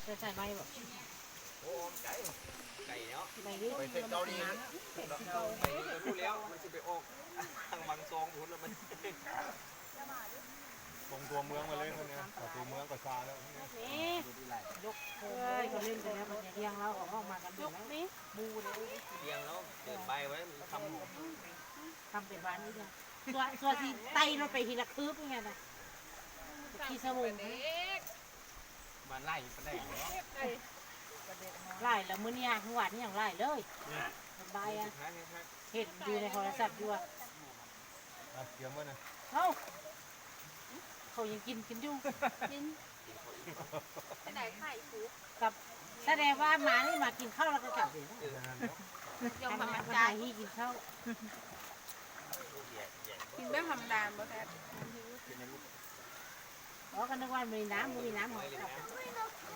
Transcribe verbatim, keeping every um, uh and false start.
จะใส่ใบแบบโอ้ไก่ไก่เนาะใบนี้ไปเส้นเกาหลีไปรู้แล้วมันจะไปออกทางบางซองหุ่นแล้วมันตรงตัวเมืองมาเลยคนนี้ตัวเมืองก็ซาแล้วนี่ยกโค้งเขาเล่นไปแล้วมันจะเรียงแล้วออกออกมากันยกนี่บูเลยเรียงแล้วเดินใบไว้ทำทำเป็นบ้านนี้เลยส่วนส่วนที่ไตเราไปทีละคืบยังไงนะที่สมุนบ้านไร่ปลาแดงเนาะไล่แล้วมื้อนี้เมื่อวานนี้อย่างไล่เลยสบายอ่ะเห็นอยู่ในโทรศัพท์อยู่อ่ะเกี่ยวมั้ยนะเอ้าเขายังกินกินอยู่กินไปไหนไข่ฟูกับแสดงว่าหมานี่มากินข้าวแล้วก็กลับเลยยอมทำทำไมมันมาใจให้กินข้าวกินแบบธรรมดาบ่แท้อ๋อก็นึกว่ามีน้ำมีน้ำของกลับ